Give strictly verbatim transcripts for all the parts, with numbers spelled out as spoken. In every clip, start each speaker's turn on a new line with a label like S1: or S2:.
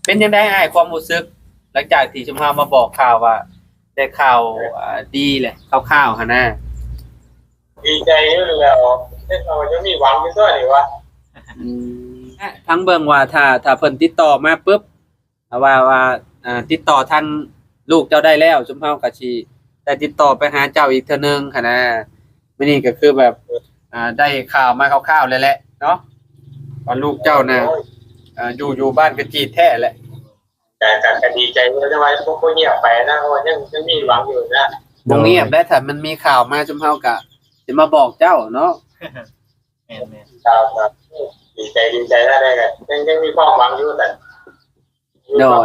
S1: เป็นยังไงอ้ายความรู้สึกหลังจากที่ชุมเฮามาบอกข่าวว่าได้ข่าวอ่าดีแหละข่าวๆหั่นน่ะ
S2: ดีใจอยู่แล้วเราจะมีหวังอยู่ตัวนี่วะ
S1: อืมทั้งเบิ่งว่าถ้าถ้าเพิ่นติดต่อมาปุ๊บว่าว่าอ่าติดต่อทางลูกเจ้าได้แล้วชุมเฮาก็สิได้ติดต่อไปหาเจ้าอีกเทื่อนึงหั่นน่ะมื้อนี้ก็คือแบบอ่าได้ข่าวมาคร่าวๆแล้วแหละเนาะว่าลูกเจ้าน่ะอ่าอยู่อยู่บ้านกระจีดแท้แหละ
S2: แต่ก็ดีใจอยู่แต่ว่าพวกเงียบไปนะเพราะว่ายังยังมีหวังอยู่นะ
S1: บ่เงียบได้ถ้ามันมีข่าวมาชุมเฮาก็สิมาบอกเจ้าเนาะ
S3: แม่นๆ
S2: ครับครับดีใจดีใจได้ได้กันยังยังมีความหวังอยู่แต่
S1: โดย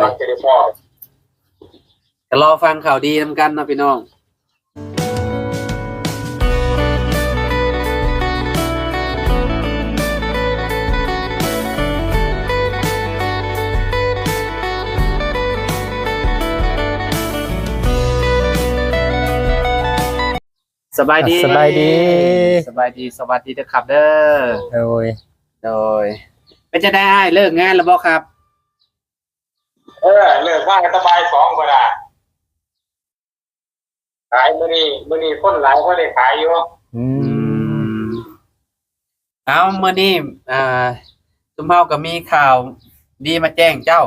S1: ก็รอฟังข่าวดีนำกันเนาะพี่น้องสบายดี
S3: สบายดี
S1: สบายดีสวัสดีเด้อครับเด้อ
S3: โดย
S1: โดยเป็นจะได้เลิกงานแล้วบ่ครับ
S2: เออเลิกงานสบายสองก็ได้ขายมื้อนี้มื้อนี้คนหลายบ่ได้ขายอยู่
S1: อืมเอามื้อนี้อ่าซุมเฮาก็มีข่าวดีมาแจ้งเจ้า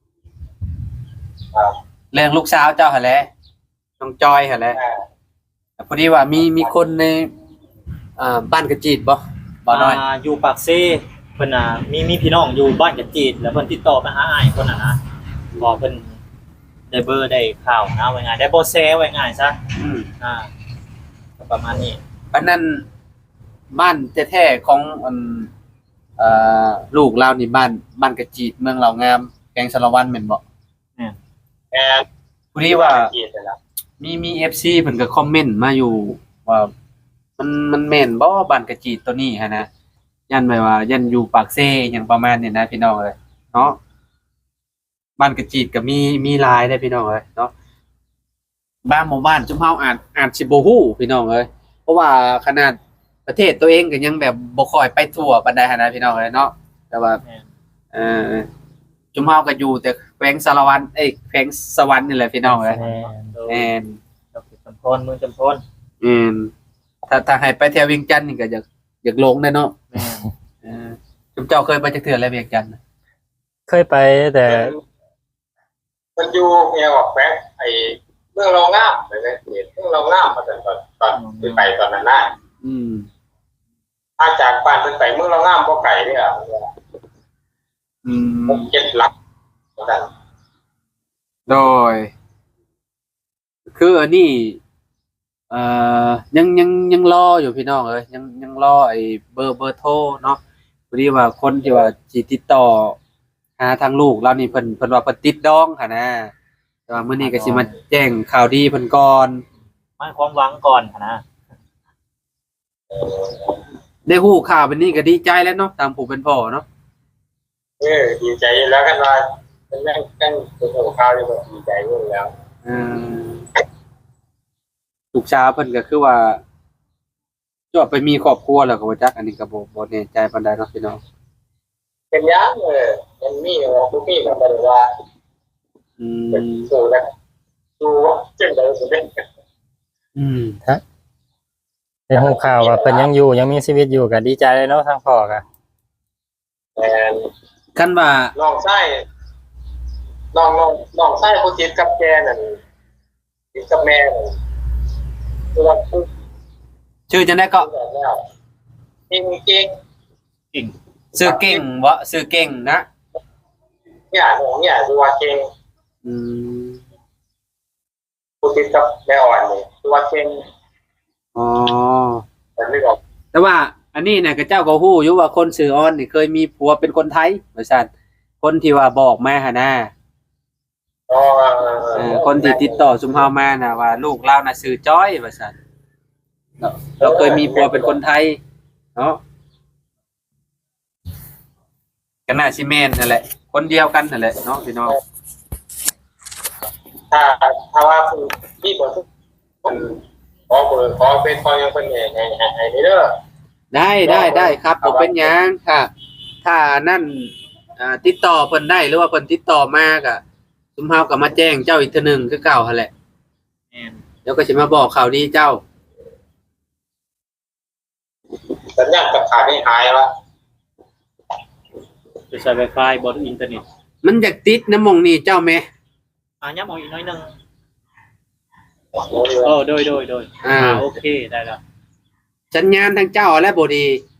S2: ครับ
S1: เรื่องลูกสาวเจ้าหั่นแหละน้องจอยหั่นแหละพอดีว่ามีมีคนในอ่าบ้านกระจีดบ่บ่น้อย
S3: อ่าอยู่ปากเซ่เพิ่นน่ะมีมีพี่น้องอยู่บ้านกระจีดแล้วเพิ่นติดต่อมาหาอ้ายคนน่ะนะบอกเพิ่นได้เบอร์ได้ข่าวนะว่าไงได้บ่แซไว้ง่ายซะ
S1: อืม
S3: อ่าประมาณนี้
S1: อันนั้นบ้านแท้ๆของอันเอ่อลูกเรานี่บ้านบ้านกระจีดเมืองเหล่างามแกงสะระวันแม่นบ่
S3: แม่น
S2: แม่น
S1: พอดีว่ามีมี เอฟ ซี เพิ่นก็คอมเมนต์มาอยู่ว่ามันมันแม่นบ่บ้านกระจีดตัวนี้หั่นนะยันไว้ว่ายันอยู่ปากเซ่หยังประมาณนี้นะพี่น้องเอ้ยเนาะบ้านกระจีดก็มีมีหลายเด้อพี่น้องเอ้ยเนาะบ้านหมู่บ้านจุมเฮาอาจอาจสิบ่ฮู้พี่น้องเอ้ยเพราะว่าขนาดประเทศตัวเองก็ยังแบบบ่ค่อยไปทั่วปานใดหั่นนะพี่น้องเอ้ยเนาะแต่ว่าเอ่อจุมเฮาก็อยู่แต่แขวงสารวันเอ้ยแขวงสวรรค์นี่แหละพี่น้องเอ้ยแม่น
S3: ดอกจำพรเมืองจำพร
S1: อืมถ้าถ้าให้ไปแถวเวียงจันทน์นี่ก็อยากอยากลงได้เนาะ
S3: แม่น
S1: เออจุมเจ้าเคยไปจักเทื่อแล้วเวียงจันทน์
S3: เคยไปแต่
S2: มันอยู่แนวแขวงไอ้เมืองรองน้ำเลยเมืองรองน้ำมาตอนตอนตอนที่ไปตอนนั้นน่ะ
S1: อืม
S2: ถ้าจากบ้านเพิ่นไปเมืองรองน้ำบ่ไกลเด้อ
S1: อืม
S2: หกเจ็ดหลักนั่น
S1: โดยคืออันนี้เอ่อยังยังยังรออยู่พี่น้องเอ้ยยังยังรอไอ้เบอร์เบอร์โทรเนาะพอดีว่าคนที่ว่าสิติดต่อหาทางลูกเรานี่เพิ่นเพิ่นว่าเพิ่นติดดองหั่นนะแต่ว่ามื้อนี้ก็สิมาแจ้งข่าวดีเพิ่นก่อน
S3: ให้ความหวังก่อนนะ
S1: ได้ฮู้ข่าวเป็นนี้ก็ดีใจแล้วเนาะตามผู้เป็นพ่อเนาะ
S2: เออดีใจแล้วกันว่าเป็นแม่งกันเป็นหัวข้าวนี่ก็ดีใจอยู่แล้ว
S1: เออลูกสาวเพิ่นก็คือว่าจบไปมีครอบครัวแล้วก็บ่จักอันนี้ก็บ่บ่แน่ใจปานใดเนาะพี่น้อง
S2: เป็นยังเออมันมีบ่บ่มีก็บ่ได้ว่า
S1: อืม
S2: สู้แล้วสู้จังได๋สิเป็น
S1: อืม
S3: ฮะได้ฮู้ข่าวว่าเพิ่นยังอยู่ยังมีชีวิตอยู่ก็ดีใจเลยเนาะทางพ่อก็
S2: แม่น
S1: คันว่า
S2: น้องชายน้องน้องน้องชายผู้ติดกับแกนั่นติดกับแม่นั่นคือว่า
S1: ชื่อจังได๋ก็
S2: เก่งเก่ง
S3: เก่ง
S1: ชื่อเก่งบ่ชื่อเก่งนะ
S2: เนี่ยน้องเนี่ยคือว่าเก่ง
S1: อืม
S2: ผู้ติดกับแม่อ่อนนี่คือว่าเก่ง
S1: อ๋อ
S2: แต่นึกออก
S1: แต่ว่าอันนี้น่ะก็เจ้าก็ฮู้อยู่ว่าคนชื่อออนนี่เคยมีผัวเป็นคนไทยว่าซั่นคนที่ว่าบอกมาหั่นน่ะ
S2: อ๋อ
S1: เออคนที่ติดต่อซุมเฮามาน่ะว่าลูกเราน่ะชื่อจ้อยว่าซั่นเราเคยมีผัวเป็นคนไทยเนาะก็น่าสิแม่นนั่นแหละคนเดียวกันนั่นแหละเนาะพี่น้อง
S2: ถ้าถ้าว่าพี่บ่คนขอเบอร์ขอเป็นขอยังเพิ่นให้ให้ให้เด้อ
S1: ได้ได้ได้ครับบ่เป็นหยังค่ะถ้านั่นอ่าติดต่อเพิ่นได้หรือว่าเพิ่นติดต่อมาก็ซุมเฮาก็มาแจ้งเจ้าอีกเทื่อหนึงคือเก่าหั่นแหละ
S3: แม่น
S1: เดี๋ยวก็สิมาบอกข่าวดีเจ้า
S2: สัญญาณตัดขาดให้หายวะ
S3: จะใช้ Wi-Fi บนอินเทอร์เน็ต
S1: มันอยากติดน้ำหมองนี่เจ้าแม่
S3: อ่ะย้ำเอาอีกหน้อยหนึง
S2: โอ้โห
S3: เออโดยโดยโดย
S1: อ่า
S3: โอเคได้แล้ว
S1: สัญญาณทางเจ้าและบ่ดี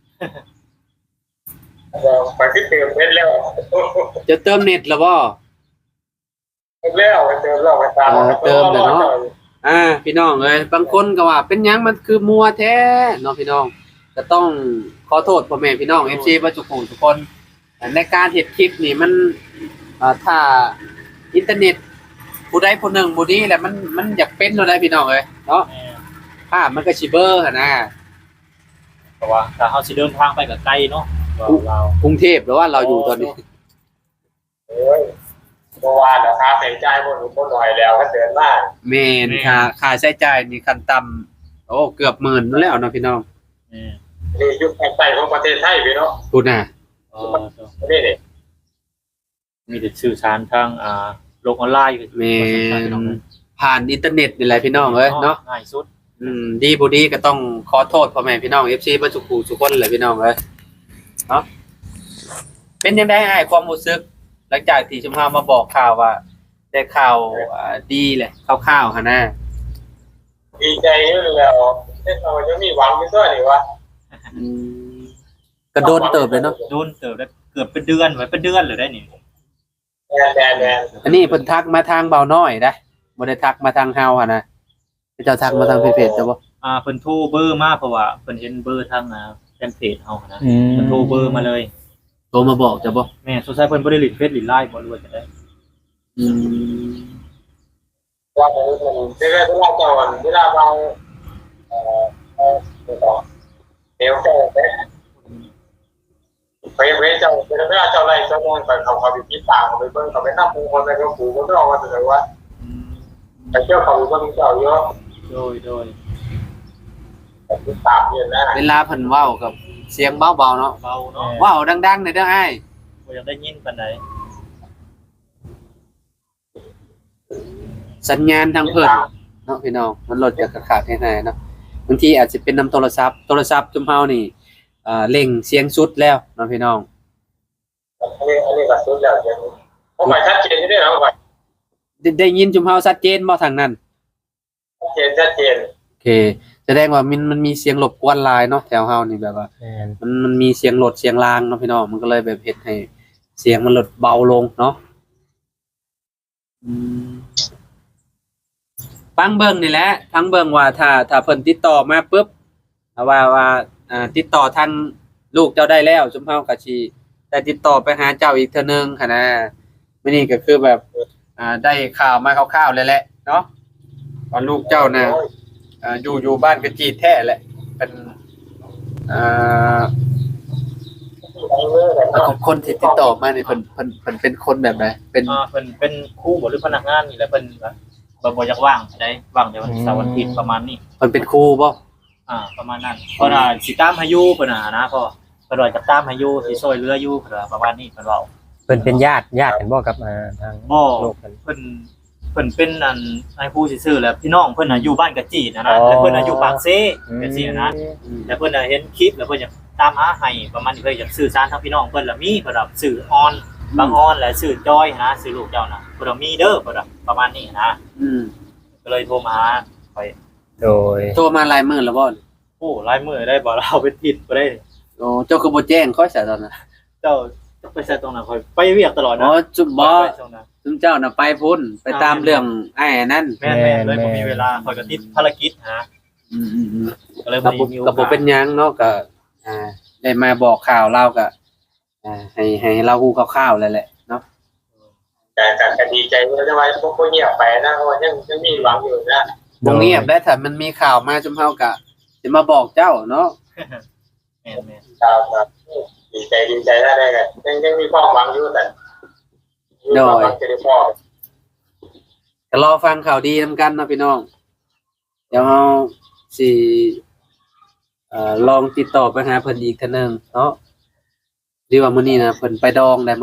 S2: ไปที่เติมเน็ตแล้ว
S1: จะเติมเน็ตแล้วบ่
S2: แล้วไปเติมแล้วไปตาม
S1: อ่าพี่น้องเอ้ยบางคนก็ว่าเป็นหยังมันคือมัวแท้เนาะพี่น้องก็ต้องขอโทษพ่อแม่พี่น้อง เอฟ ซี บ่ทุกคนทุกคนในการเฮ็ดคลิปนี่มันอ่าถ้าอินเทอร์เน็ตผู้ใดผู้หนึ่งบ่ดีแหละมันมันอยากเป็นโลดได้พี่น้องเอ้ยเนาะ
S3: แม่น
S1: ภาพมันก็สิเบลอหั่นนะ
S3: เพราะว่าถ้าเฮาสิเดินทางไปก็ไกลเนาะเราเรา
S1: กรุงเทพหรือว่าเราอยู่ตอนนี้
S2: เอ้ยเมื่อวานราคาใส่ใจหมดหมดหน่อยแล้วก็เตือนมาก
S1: แม่นค่าค่าใช้จ่ายนี่ขั้นต่ำโอ้เกือบหมื่นนั่นแล้วเนาะพี่น้อง
S3: แม่น
S2: นี่ยุคแผ่นใต้ของประเทศไทยพี่เนาะ
S1: พูดน่ะ
S3: เออ
S2: นี่นี่
S3: มีแต่สื่อสารทางอ่าโลกออนไลน์
S1: แม่น
S3: พี่น้องเอ้ย
S1: ผ่านอินเทอร์เน็ตนี่แหละพี่น้องเอ้ยเนาะ
S3: ง่ายสุด
S1: อืมดีบ่ดีก็ต้องขอโทษพ่อแม่พี่น้อง เอฟ ซี บ่ทุกผู้ทุกคนแหละพี่น้องเอ้ยเนาะเป็นจังได๋อ้ายความรู้สึกหลังจากที่ชุมเฮามาบอกข่าวว่า ได้ข่าวอ่าดีแหละคร่าวๆหั่นนะ
S2: ดีใจอยู่แล้วเราจะมีหวังอยู่ด้วยนี่วะ
S1: อืมก็โดนเติบเลยเนาะ
S3: โดนเติบได้เกือบเป็นเดือนไว้เป็นเดือนเลยได้นี่
S2: แดนแดนแดน
S1: อันนี้เพิ่นทักมาทางเบาน้อยได้บ่ได้ทักมาทางเฮาหั่นนะเจ้าทักมาทางเพจๆจ้ะบ่
S3: อ่าเพิ่นโทรเบอร์มาเพราะว่าเพิ่นเห็นเบอร์ทางอ่าแฟนเพจเฮานะ
S4: อืม
S3: เพิ่นโทรเบอร์มาเลย
S1: โทรมาบอกจ้ะบ่
S3: แม่สงสัยเพิ่นบ่ได้ลิดเฟซลิดไลน์บ่รู้ว่าจะได้
S1: อืม
S2: ว่ามันเวลาเวลาเจ้าเวลาเราเอ่อเอ่อเดี๋ยวเจ้าไปไปเวเจ้าเวลาเจ้าไล่เจ้าโน่นไปเขาเขาไปคิดต่างเขาไปเบิ่งเขาไปนับมงคลไปก็ปู่ก็ต้องเอาว่าแต่ว่า
S3: อืม
S2: ไปเที่ยวเขาก็มีเจ้าเยอะ
S3: โดยโดย
S2: แต่คิดตามเนี่ยนะ
S1: เวลาเพิ่นเว้ากับเสียงเบาๆเนาะ
S3: เบาเนาะ
S1: เว้าดังๆหน่อยเด้ออ้าย
S3: บ่อยากได้ยินปานใด
S1: สัญญาณทางเพิ่นเนาะพี่น้องมันลดจากขาดๆให้ๆเนาะบางทีอาจจะเป็นนำโทรศัพท์โทรศัพท์จุมเฮานี่เอ่อเร่งเสียงสุดแล้วเนาะพี่น้อง
S2: อันนี้อันนี้ก็สุดแล้วเดี๋ยวผมไปชัดเจนที่นี่แล้วไป
S1: ได้ได้ยินจุมเฮาชัดเจนบ่ทางนั้น
S2: ชัดเจนชัดเจน
S1: โอเคแสดงว่ามันมันมีเสียงรบกวนหลายเนาะแถวเฮานี่แบบว่า
S4: แม่น
S1: มันมันมีเสียงรถเสียงรางเนาะพี่น้องมันก็เลยแบบเฮ็ดให้เสียงมันลดเบาลงเนาะอืมฟังเบิ่งนี่แหละฟังเบิ่งว่าถ้าถ้าเพิ่นติดต่อมาปุ๊บว่าว่าอ่าติดต่อทางลูกเจ้าได้แล้วจุมเฮาก็สิได้ติดต่อไปหาเจ้าอีกเทื่อนึงค่ะนะมื้อนี้ก็คือแบบอ่าได้ข่าวมาคร่าวๆเลยแหละเนาะว่าลูกเจ้าน่ะอ่าอยู่อยู่บ้านกระจีดแท้แหละเป็นอ่า แล้วก็คนที่ติดต่อมาเนี่ยเพิ่นเพิ่นเพิ่นเป็นคนแบบไหนเป็น
S3: อ่าเพิ่นเป็นครูบ่หรือพนักงานนี่แหละเพิ่นก็บ่บ่อยากว่างได้ว่างแต่วันเสาร์วันอาทิตย์ประมาณนี้
S1: เพิ่นเป็นครูบ่
S3: อ่าประมาณนั้นเพราะว่าสิตามให้อยู่เพิ่นน่ะนะพ่อเพิ่นว่าจะตามให้อยู่สิช่วยเหลืออยู่เพิ่นว่าประมาณนี้เพิ่นเว้า
S4: เพิ่นเป็นญาติญาติกันบ่กับอ่าทาง
S3: บ่
S4: ลูกเพิ่น
S3: เพิ่นเพิ่นเป็นอันนายผู้ซื่อๆแหล้วพี่น้องเพิ่นน่ะอยู่บ้านกะจีดนะนะ
S4: อ๋อ
S3: แต่เพิ่นน่ะอยู่ปากเซจังซี่นะ
S1: อืม
S3: แล้วเพิ่นน่ะเห็นคลิปแล้วเพิ่นอยากตามหาให้ประมาณนี้เพิ่นอยากสื่อสารทางพี่น้องเพิ่นล่ะมีเพิ่นว่าสื่อออนบางออนและสื่อจอยนะสื่อลูกเจ้าน่ะเพิ่นว่ามีเด้อเพิ่นว่าประมาณนี้นะ
S1: อืม
S3: ก็เลยโทรมาหาข่อย
S4: โดย
S1: โทรมาหลายมื้อแล้วบ่
S3: โอ้หลายมื้อได้บ่เราเป็นทิศบ่ได้
S1: โอ้เจ้าคือบ่แจ้งค่อยซะตอนนั้น
S3: เจ้าจะไปใส่ตรงนั้นข่อยไปเวียกตลอด
S1: อ๋
S3: นะ
S1: อจุบบ่
S3: ไปตรงนั้น
S1: ซุมเจ้าน่ะไปพุ่นไปตามเรื่องไอ้อันนั้น
S3: แม่นๆเลยบ่มีเวลาข่อยก็ติดภารกิจหา
S1: อืมๆ
S3: ก็เลย
S1: ๆ
S3: บ่
S1: ก็
S3: ได้
S1: บ่
S3: มีโอ
S1: ก็บ่
S3: กาส
S1: เป็นหยังเนาะก็อ่าได้มาบอกข่าวเราก็อ่าให้ให้เราฮู้คร่าวๆแล้วแหละเนาะ
S2: แต่แต่แต่ดีใจว่าจะไว้พวกพวกเงียบไปนะเพราะว่ายังยังมีหวังอยู่นะ
S1: บ่เงียบได้ถ้ามันมีข่าวมาซุมเฮาก็สิมาบอกเจ้าเนาะ
S3: แม่นๆ
S2: ครับครับดีใจดีใจได้ได้กันยังยังมีความหวังอยู่แต่มีความหวังจะได้พ่อ
S1: ก็รอฟังข่าวดีนำกันเนาะพี่น้องเดี๋ยวเฮาสิเอ่อลองติดต่อไปหาเพิ่นอีกเทื่อนึงเนาะดีว่ามื้อนี้นะเพิ่นไปดองได้มื้อนี้นะ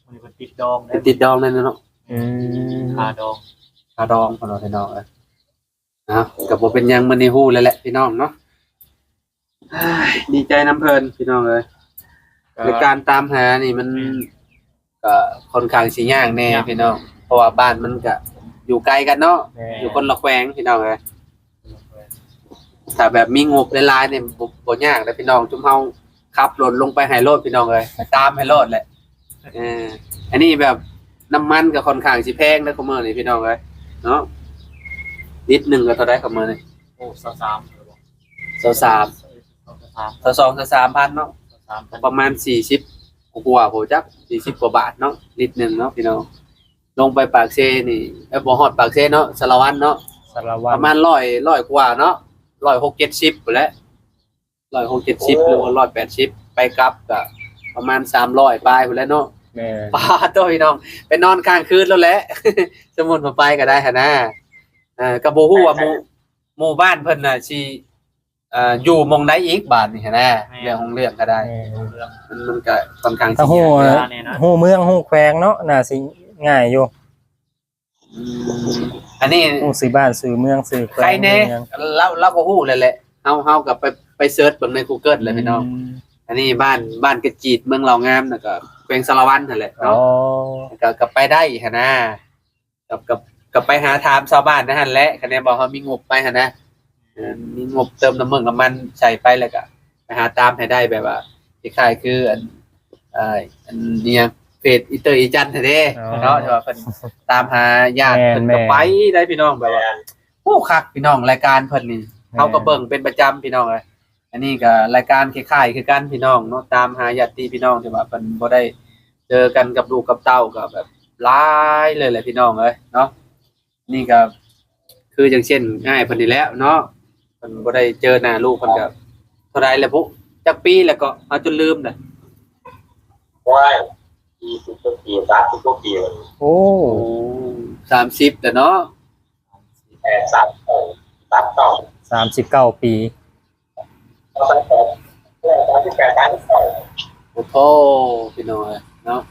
S3: มันเป็นติดดองได้
S1: ติดดองนั่นเนาะ
S4: อืม
S3: คาดอง
S1: คาดองของเราพี่น้องเอ้ยนะกับบ่เป็นหยังมื้อนี้ฮู้แล้วแหละพี่น้องเนาะอ้ายดีใจน้ำเพลินพี่น้องเอ้ยในการตามหานี่มันก็ค่อนข้างสิยากแน่พี่น้องเพราะว่าบ้านมันก็อยู่ไกลกันเนาะ
S4: แม่
S1: อยู่คนละแขวงพี่น้องเอ้ยถ้าแบบมีงบหลายๆเนี่ยบ่บ่ยากเด้อพี่น้องจุ่มเฮาขับรถลงไปให้โลดพี่น้องเอ้ยตามให้โลดแหละเอออันนี้แบบน้ำมันก็ค่อนข้างสิแพงเด้อคุมื้อนี้พี่น้องเอ้ยเนาะลิตรหนึงก็เท่าใดคุมื้อนี้
S3: โอ้สาม
S1: สาม
S3: สาม
S1: ต่อสองต่อสามพันเนาะ
S3: สามพัน
S1: ประมาณสี่สิบกว่าโหจักสี่สิบกว่าบาทเนาะลิตรหนึ่งเนาะพี่น้องลงไปปากเซนี่เอ้ยบ่ฮอดปากเซเนาะสารวัตรเนาะ
S4: สารวั
S1: ป
S4: ตร
S1: ระมาณร้อยร้อยกว่าเนาะร้อยหกเจ็ดสิบไปแหล้วร้อยหกเจ็ดสิบหรือว่าร้อยแปดสิบไปกลับก็ประมาณสามร้อยปลายไปแล้วเนาะ
S4: แม่
S1: ป้าโตพี่น้องไปนอนค้างคืนแล้วแหละ สมมุติว่าไปก็ได้หั่นนะเอ่อก็บ่ฮู้ว่าหมู่หมู่บ้านเพิ่นน่ะสิเอ่ออยู่หม่องใดอีกบาดนี่หั่นนะเรื่องของเรื่องก็ได้
S4: แม่
S1: มันมันก็ค่อนข้าง
S4: ถ้าฮู้
S1: สิยาก
S4: ฮู้เมืองฮู้แขวงเนาะน่าสิง่ายอยู่
S1: อืมอันนี้
S4: ฮู้ซื้อบ้านซื้อเมืองซื้อแขวง
S1: ใครแน่
S4: เมือง
S1: เราเราก็ฮู้เลยแหละเฮาเฮากับไปไปเสิร์ชเบิ่งใน Google เลยพี่น้อง
S4: ม
S1: อันนี้บ้านบ้านกระจีดเมืองเหล่างามน่ะก็แขวงสารวัตรนั่นแหละ
S4: อ๋อ
S1: เนาะก็ก็ไปได้หั่นนะกับกับกับไปหาถามชาวบ้านนั่นหั่นแหละคะแนนบอกเขามีงบไปหั่นนะเออมีงบเติมน้ำมันน้ำมันใส่ไปแล้วก็ไปหาตามให้ได้แบบว่าคล้ายๆคืออันเอ่ออันเนี้ยเฟซอีเตอร์อีจันทร์เด้เนาะที่ว่าเพิ่นตามหาญาติเพิ่นก็ไปได้พี่น้องแบบว่า โอ้คักพี่น้องรายการเพิ่นนี่เขาก็เบิ่งเป็นประจำพี่น้องเลยอันนี้ก็รายการคล้ายๆคือกันพี่น้องเนาะตามหาญาติพี่น้องที่ว่าเพิ่นบ่ได้เจอกันกับลูกกับเต้าก็แบบหลายเลยแหละพี่น้องเอ้ยเนาะนี่ก็คืออย่างเช่นง่ายเพิ่นนี่แหล้วเนาะเพิ่นบ่ได้เจอหน้าลูกเพิ่นก็เท่าใดแล้วพุจักปีแล้วก็เอาจนลืมน่ะ
S2: ว่ายยี่สิบกว่าปีสามสิบกว่าปีเลย
S4: โอ้
S1: โอ้สามสิบแล้วเนาะ
S2: แปดสามสองสามสอง
S4: สามสิบเก้าปี
S2: สามสองสามสิบแปดสามสิบสอง
S1: โอ้โหพี่น้องเอ้ยเนาะ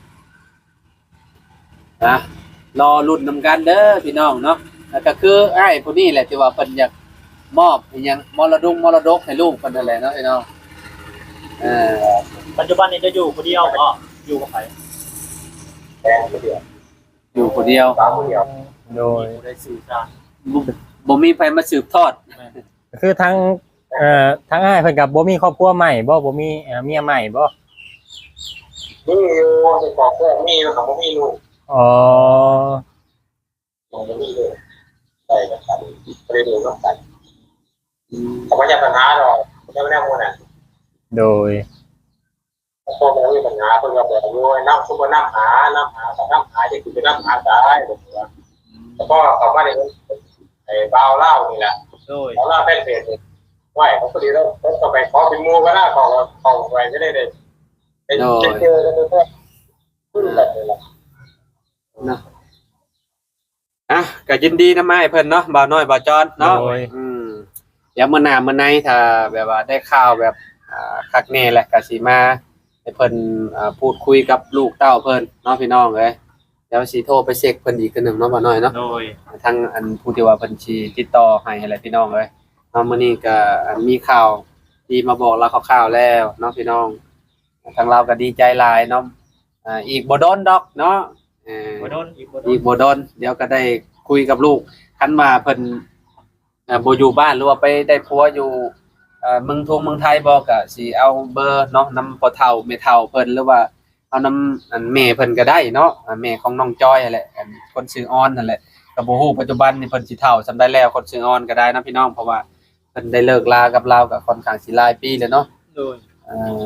S1: นะรอรุ่นนำกันเด้อพี่น้องเนาะแล้วก็คือไอ้ผู้นี้แหละที่ว่าเพิ่นอยากมอบอิหยังมรดกมรดกให้ลูกเพิ่นนั่นแหละเนาะพี่น้องเออ
S3: ปัจจุบันนี้จะอยู่คนเดียวก็อยู่กับใคร
S2: แดงเดียว
S1: อยู่คนเดียว
S2: สามเดียว
S4: โดย
S3: ผู้ได้สื่อสาร
S1: บ่บ่มีใครมาสืบทอด
S4: คือทั้งเอ่อทั้งอ้ายเพิ่นกับบ่มีครอบครัวใหม่บ่บ่มีเอ่อเมียใหม่บ่
S2: นี่อยู่ในกองแก้มีอยู่ของมีลูก
S4: อ๋อ
S2: ของมีลูกใส่กันกันเรียนรู้กันเขาไม่ใช่ปัญหาหรอกไม่ได้หมดอ่ะ
S4: โดย
S2: พวกเรามีปัญหาเพิ่งเราบอกว่าน้ำซุปน้ำหาน้ำหาแต่น้ำหาจะคือน้ำหาได้ผมว่าแล้วก็เขามาในไอ้บ่าวเล่านี่แหละ
S3: โดย
S2: บ่าวเล่าเป็นเพจไหวเขาพอดีแล้วเขาไปขอเป็นมูก็ได้ของของไว้ไม่ได้เลยเป็นเจอกันด้วยขึ้นแบบนี้แหละ
S1: เนาะอ่ะก็ยินดีนะไม้เพิ่นเนาะบ่าวน้อยบ่าวจอนเนาะ
S4: โดย
S1: อืมเดี๋ยวมื้อหน้ามื้อในถ้าแบบว่าได้ข่าวแบบอ่าคักแน่แหละก็สิมาให้เพิ่นอ่าพูดคุยกับลูกเต้าเพิ่นเนาะพี่น้องเอ้ยเดี๋ยวสิโทรไปเช็คเพิ่นอีกคือหนึงเนาะบ่าวน้อยเนาะ
S3: โดย
S1: ทางอันผู้ที่ว่าเพิ่นสิติดต่อให้ให้แหละพี่น้องเอ้ยเนาะมื้อนี้ก็อันมีข่าวที่มาบอกเราคร่าวๆแล้วเนาะพี่น้องทางเราก็ดีใจหลายเนาะอ่าอีกบ่โดนดอกเนาะเออ
S3: บ่โดนอีกบ่โด
S1: อี
S3: น
S1: กบ่โดนเดี๋ยวก็ได้คุยกับลูกคันว่าเพิ่นเอ่อบ่อยู่บ้านหรือว่าไปได้ผัวอยู่เอ่อเมืองทงเมืองไทยบ่ก็สิเอาเบอร์เนาะนำพ่อเฒ่าแม่เฒ่าเพิ่นหรือว่าเอานำอันแม่เพิ่นก็ได้เนาะอ่าแม่ของน้องจอยนั่นแหละอันคนชื่อออนนั่นแหละก็บ่ฮู้ปัจจุบันนี่เพิ่นสิเฒ่าซำได้แล้วคนชื่อออนก็ได้นะพี่น้องเพราะว่าเพิ่นได้เลิกลากับเราก็ค่อนข้างสิหลายปีแล้วเนาะ
S3: โดย
S1: เอ่อ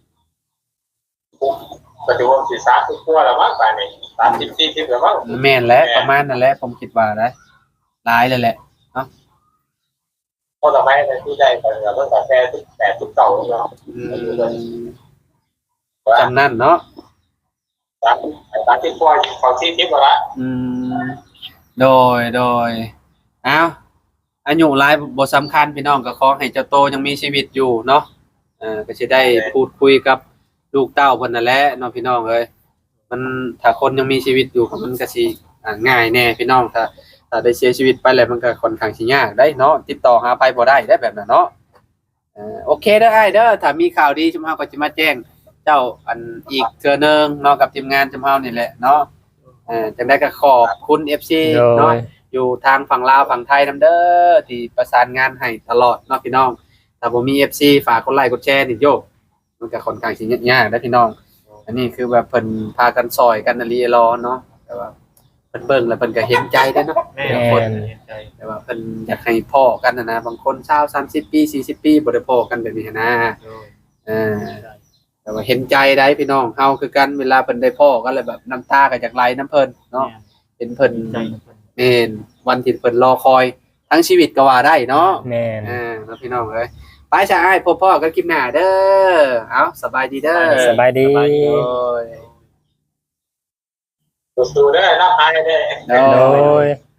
S2: ปัจจุบันสี่สามสิบตัวแล้วมั้งไปนี่สามสิบสี่สิบแล้วมั้ง
S1: แม่นแหละประมาณนั่นแหละผมคิดว่านะหลายเลยแหละ
S2: พอต่อไปในที่ได้ไปเราต้องกาแฟทุกแปดทุกเก่าเนาะ
S1: อืมจำนั่นเนาะ
S2: สามสามสิบตัวของสี่สิบละ
S1: อืมโดยโดยอ้าวอายุหลายบ่สำคัญพี่น้องก็ขอให้เจ้าโตยังมีชีวิตอยู่เนาะเออก็สิได้พูดคุยกับลูกเต้าเพิ่นนั่นแหละเนาะพี่น้องเอ้ยมันถ้าคนยังมีชีวิตอยู่ก็มันก็สิอ่าง่ายแน่พี่น้องถ้าถ้าได้เสียชีวิตไปแล้วมันก็ค่อนข้างสิยากได้เนาะติดต่อหาไปบ่ได้ได้แบบนั้นเนาะเอ่อโอเคเด้ออ้ายเด้อถ้ามีข่าวดีชุมเฮาก็สิมาแจ้งเจ้าอันอีกเทื่อนึงเนาะกับทีมงานชุมเฮานี่แหละเนาะเอ่อจังได๋ก็ขอบคุณ เอฟ ซี
S4: โด
S1: เนาะ
S4: ย
S1: อยู่ทางฝั่งลาวฝั่งไทยนำเด้อที่ประสานงานให้ตลอดเนาะพี่น้องถ้าบ่มี เอฟ ซี ฝากกดไลค์กดแชร์นี่โยกมันก็ค่อนข้างสิยากๆนะพี่น้องอันนี้คือแบบเพิ่นพากันซอยกันอลีรอเนาะแต่ว่าเพิ่นเบิ่งแล้วเพิ่นก็เห็นใจเด้อเนาะ
S3: แม่
S1: แต่ละคน
S3: เห็นใจ
S1: แต่ว่าเพิ่นอยากให้พ้อกันนะนะบางคนเช้าสามสิบปีสี่สิบปีบ่ได้พ้อกันแบบนี้นะเออแต่ว่าเห็นใจได้พี่น้องเฮาคือกันเวลาเพิ่นได้พ้อกันแล้วแบบน้ำตาก็อยากไหลน้ำเพิ่นเนาะเห็นเพิ่น
S3: ใจ
S1: แม่นวันที่เพิ่นรอคอยทั้งชีวิตก็ว่าได้เนาะ
S4: แม่น
S1: อ่าแล้วพี่น้องเอ้ยไปจ้าอ้ายพบพ่อกันคลิปหน้าเด้อเอาสบายดีเด้อ
S4: สบายดี
S1: โอ้ย
S2: สู้ๆได้รับหายได้
S1: โอ้
S4: โด
S1: ย
S4: ย